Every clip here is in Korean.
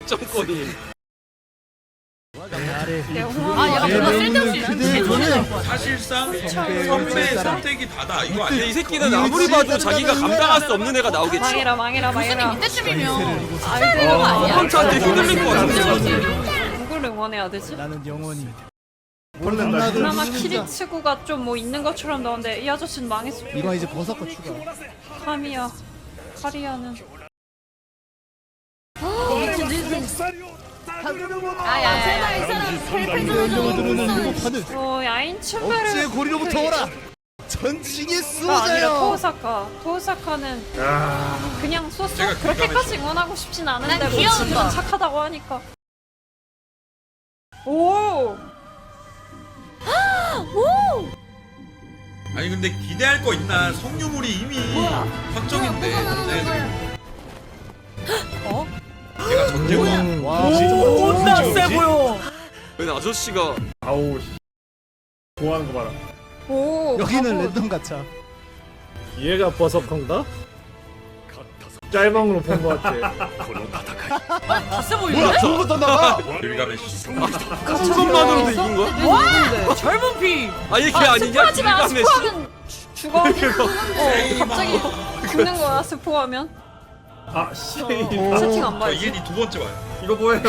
득점권이. 얘가 뭔가 쓸데없이 사실상 선배의 선택이 다다. 이거 근데 아니야? 이 새끼는 아무리 봐도 자기가 감당할 수 없는 애가 나오겠지. 망해라. 교수님 이때쯤이면 아이고 아니야. 펀치한테 휘둘릴 것 같은데. 누굴 응원해야 되지? 나는 영원히 그나마 키리츠구가 좀 뭐 있는 것처럼 나오는데 이 아저씨는 망했어. 이건 이제 버섯과 추가. 카미야, 카리아는. 제발 이 사람 이름을 들으는 유고파는 야인 억지의 춘배를 고리로부터 오라. 전징의 아니라 수호자여. 토우사카는 그냥 쏘쏘 제가 그렇게까지 응원하고 싶진 않은데 난 뭐 귀여운 지금은 거. 착하다고 하니까. 오. 아니 근데 기대할 거 있나? 성유물이 이미 확정인데. 얘가 전쟁왕. 와, 존나 세 보여. 왜 아저씨가 아우 좋아하는 거 봐라. 여기는 랜덤 가차. 얘가 버섯건가? 짤방으로 본 거 같아. 다세 보여. 뭐야, 저거부터 나가. 길가메시. 그것만으로도 이긴 거야? 와 젊은 피. 아 이게 아니냐? 스포하지마. 길가메시. 스포하면 죽어. 갑자기 죽는 거야 스포하면. 아 씨. 채팅 안 저 봐야지. 이엔이 두 번째 와요. 이거 뭐예요?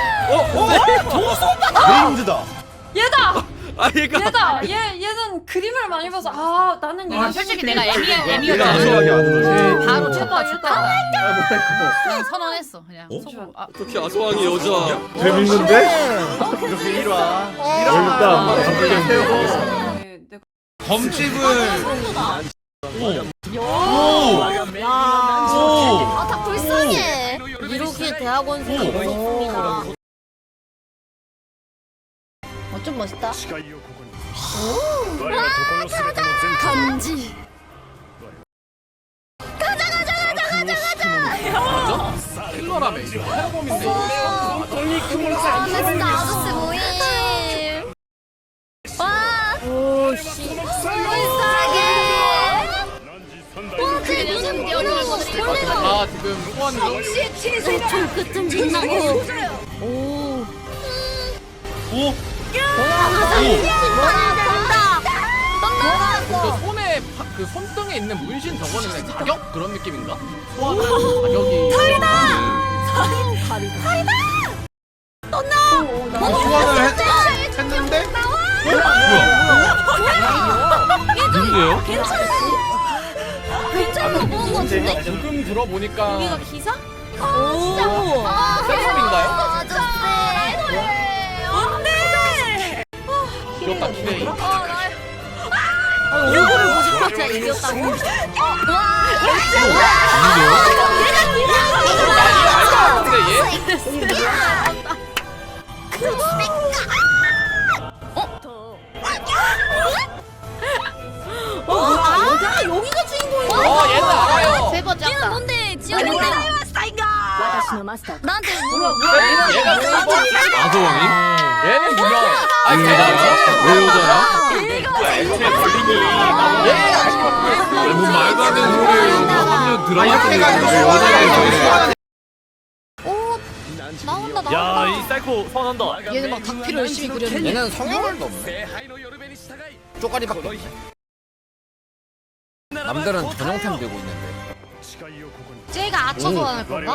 레인드다. 얘다. 아 얘가 얘는 그림을 많이 봐서 나는 아 솔직히 내가 얘가 애미였잖아. 아소하게 하는 바로 거지. 좋다. 그냥 선언했어 그냥. 속으로. 어떻게 아소왕이 여자? 재밌는데? 이렇게 이리 와. 일단 갑자기 세워. 내가 검집은 다 불쌍해. 이렇게 대학원생이 있었습니다. 좀 멋있다. 간지. 킬러라며 이거 해범인데. 나 진짜 아저씨 모임. 와. 오씨. 불쌍해. 그냥 뛰어들고 아 지금 소환 좀 그쯤 빛나고. 오. 그 손에 그 손등에 있는 문신 저거는 그냥 자격 그런 느낌인가? 소환하는 자격이. 소환을 했는데? 누구예요? 괜찮은 거 보는 거 같은데? 조금 들어보니까 여기가 기사? 세범인가요? 아저씨. 안돼. 귀엽다 키레이. 얼굴을 보자마자 이겼다고? 근데 얘? 여기가 주인공이야. 얘는 알아요. 세 번째 얘는 뭔데? 지원이 뭔데? 나한테 얘가 세범. 아소왕이? 얘는 유명해. 아 걔가 왜 여자야? 애초에 걸리니. 뭔 말도 안 되는 소리예요. 한년 들어갔으니까 왜 여자를 나온다. 야 이 사이코 소환한다. 얘는 막 닭피를 열심히 그렸는데. 얘는 성형을도 없네. 쪼가리밖에 없네. 남들은 전용템 들고 있는데. 쟤가 아쳐서 할 건가?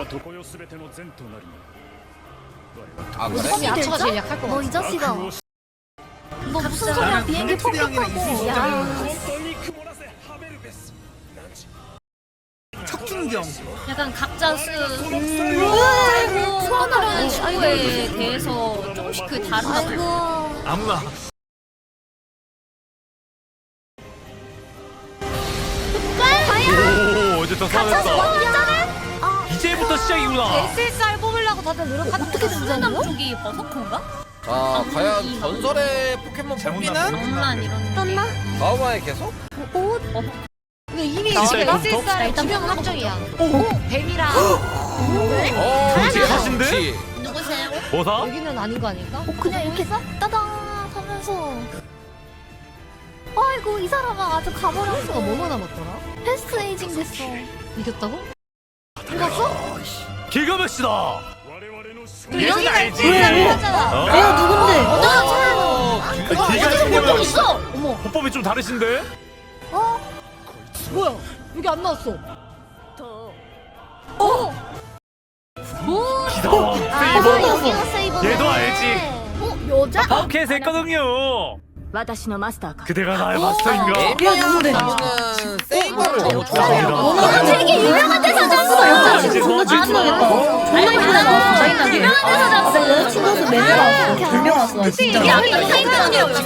아 그래? 무조건 아쳐가 제일 약할 거 같아. 이 자식아. 너 무슨 소리야? 비행기 폭격하고. 야. 척준경. 약간 각자 소환하는 친구에 대해서 조금씩 그 다르다고. 아무나. 오 이제 더 소환했다. 이제부터 시작이구나. SSR 뽑으려고 다들 노력하는 어떻게 된다는 쪽이 버섯콘가? 자 과연 전설의 포켓몬 뽑기는? 엄란 이런. 떴나? 다음화에 계속? 근데 이미 SSR 일단 병은 확정이야. 오, 뱀이랑. 그렇지 가신데? 그렇지. 누구세요? 뭐사? 여기는 아닌 거 아닐까? 그냥 이렇게 따다 하면서. 아이고 이 사람아 아주 가버렸어. 수가 뭐뭐 남았더라? 패스트 에이징 됐어. 이겼다고? 이겼어? 길가메시다. 얘는 알지. 어? 내가 누군데? 기가 또 있어. 어머. 호법이 좀 다르신데? 뭐야? 여기 안 나왔어. 얘도 알지. 여자? 파워캣 했거든요. 私のマスターか 그대가 나의 마스터인가? 나는 세이버를 너무 아, 되게 유명한 데서 잤어. 이제 존나 질투나겠다. 존나 짜증나게. 유명한 데서 잤어. 여자친구한테 매달 왔어. 불명 왔어. 진짜. 이게 아까 세이버 언니라고.